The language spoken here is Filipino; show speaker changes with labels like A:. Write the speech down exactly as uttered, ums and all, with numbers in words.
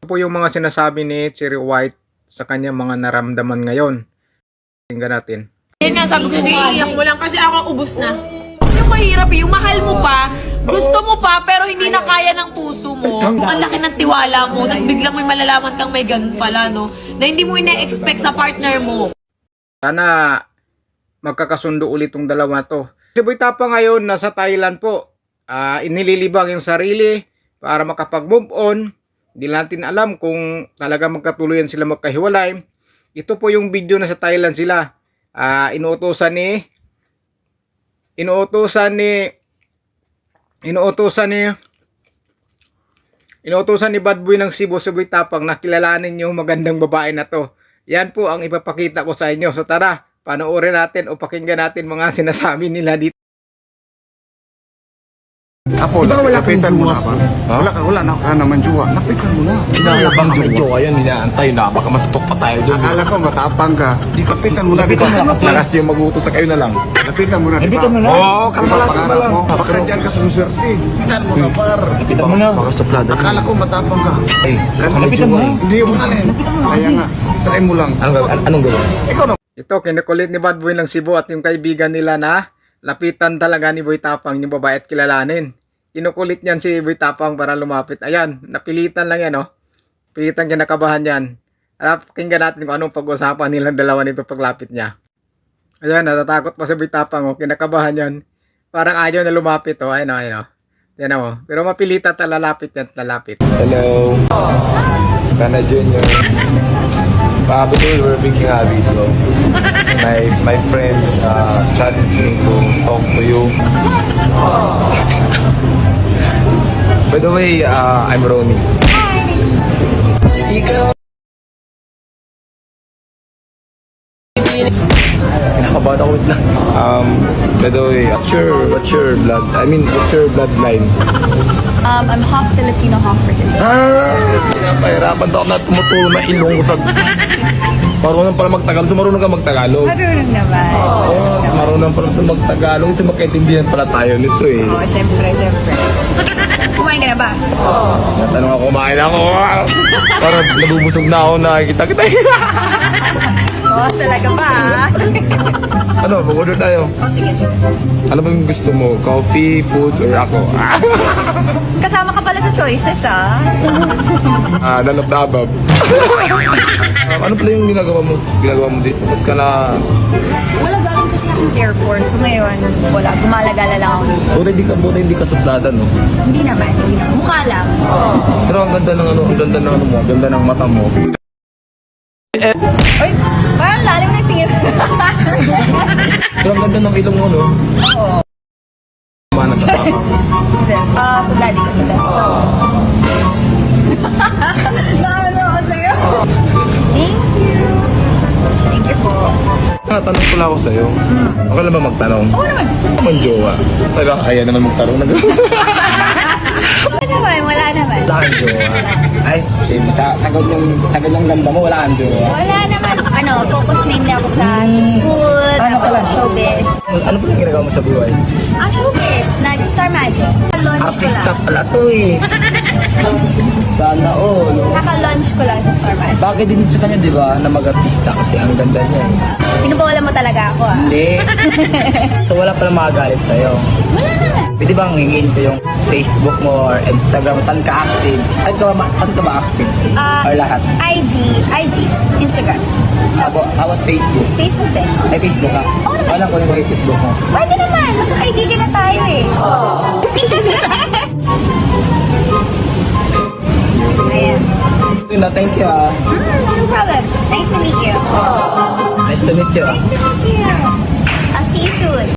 A: po yung mga sinasabi ni Cherry White sa kanyang mga naramdaman ngayon. Tingnan natin.
B: Yan nga, sabi ko, iiyak mo lang kasi ako ubos na. Yung mahirap eh, yung mahal mo pa, gusto mo pa, pero hindi na kaya ng puso mo. Ang laki ng tiwala mo, tapos biglang may malalaman kang may ganun pala, no? Na hindi mo ina-expect sa partner mo.
A: Sana magkakasundo ulit tong dalawa to. Si Boy Tapang ngayon nasa Thailand po. Uh, inililibang yung sarili para makapag-move on. Hindi natin alam kung talaga magkatuluyan sila magkahiwalay. Ito po yung video na sa Thailand sila. Uh, inuutosan ni inuutosan ni inuutosan ni inuutosan ni Bad Boy ng Cebu, si Boy Tapang na kilalanin yung magandang babae na to. Yan po ang ipapakita ko sa inyo. So tara, panoorin natin o pakinggan natin mga sinasabi nila dito.
C: Apo,
D: Diba wala kang
C: lapitan mo
D: jowa?
C: na ba? Wala, ka- wala na ka naman jowa. Lapitan mo na.
D: Inaabang yung jowa yan, inaantay na. Baka masutok pa tayo doon.
C: Akala ko matapang ka. Di lapitan mo na.
D: Lapitan
C: di ba?
D: mo na kasi. Lakas yung mag-uutos sa kayo na lang.
C: Lapitan mo na, di ba?
D: Lapitan mo na. Oo, kalma lang, kalma
C: Pangarap
D: lang.
C: mo. Baka dyan ka sumuswerte. Lapitan mo na, par.
D: Lapitan mo na. Baka suplada.
C: Akala ko matapang ka.
D: Ay,
C: Kan-
D: lapitan mo na.
C: Hindi mo na rin. Kaya nga, try mo lang.
D: Anong, an- anong gawin?
C: Ikaw na.
A: Ito, kinukulit ni Bad Boy ng Cebu at yung kaibigan nila na lapitan talaga ni Boy Tapang yung babae at kilalanin. Kinukulit niyan si Boy Tapang para lumapit. Ayan, napilitan lang yan, no? Pilitan kinakabahan yan. Harap, pakinggan natin kung anong pag-usapan nilang dalawa nito paglapit niya. Ayan, natatakot pa si Boy Tapang, oh. Kinakabahan yan. Parang ayaw na lumapit, oh. Ayun, oh, ayun, oh. Yan, oh. Pero mapilitan at lalapit yan, lalapit.
D: Hello. Kana Junior. Probably we're making a video. My my friends uh, challenged me to talk to you. By the way, uh, I'm Ronnie. Ikaw. Kinakabahan ako wait lang. Um, by the way, what's your, what's your blood? I mean, what's your bloodline?
E: Um, I'm half Filipino, half British.
D: Ah, pinapahirapan daw ako na tumutulong na ilong ko sa... Marunong pala magtagalog. So marunong ka magtagalog.
E: Marunong naman.
D: Oo, oh, marunong pala ito magtagalog. Kasi magkaintindihan pala tayo nito eh.
E: Oo, siyempre, siyempre. Kumain ka na ba?
D: Natanong ako, kumain ako. Parang nabubusog na ako, nakikita kita.
E: Oo, talaga ba?
D: Ano, mag-order tayo.
E: Oo, sige, sige.
D: Ano ba yung gusto mo? Coffee, foods, or ako?
E: Kasama ka pala sa choices, ah.
D: Ah, none of the above. um, ano pala yung ginagawa mo? Ginagawa mo dito? Ba't ka na...
E: Wala, galing kasi akong airport. So ngayon, wala. Gumalagala lang ako dito.
D: Buti hindi ka, buti hindi ka suplada, no?
E: Hindi naman, hindi naman. Mukha lang.
D: Pero ang ganda ng ano, ang ganda ng ano mo, ang ganda ng mata mo.
E: Uy, parang lalim na tingin.
D: Pero ang ganda ng ilong mo, no?
E: Oo.
D: Mana sa tama.
E: Hindi. Ah, sa daddy ko, sa daddy ko. Naano ako sa'yo? Thank you. Thank you po.
D: Tanong ko lang ako sa'yo. Okay lang ba magtanong?
E: Oo naman.
D: Ako man jowa. Pero kaya naman magtanong na gano'n.
E: Wala naman, wala naman.
D: Wala kang jowa. Ay, sige, sa, sa ganyang, sa ganyang ganda mo, wala kang jowa.
E: Wala naman. Ano, focus mainly ako sa school,
D: Ano
E: tapos
D: pala?
E: showbiz.
D: Ano pa yung ginagawa mo sa buhay?
E: Ah, showbiz. Nag-Star Magic. Naka-launch ko
D: Artista
E: lang.
D: pala to eh. Sana all.
E: Naka-launch ko lang sa Star Magic.
D: Bagay din sa kanya, di ba, na mag-artista kasi ang ganda niya eh.
E: Pinubola mo talaga ako, ah.
D: Hindi. So wala pala makagalit sa'yo.
E: Wala naman.
D: Pwede bang hingin ko yung Facebook mo or Instagram? Saan ka active? Saan ka ba, saan ka ba active?
E: Ah,
D: or lahat?
E: I G, I G, Instagram.
D: How about, how about Facebook?
E: Facebook din.
D: May Facebook ka?
E: Oo naman.
D: Walang ko yung may Facebook mo.
E: Pwede naman. Magka-kaibigan na tayo eh. Ayan.
D: Yun na, thank you ah.
E: Mm, no problem. Nice to meet you.
D: Nice to meet you ah.
E: Nice to meet you. I'll see you soon.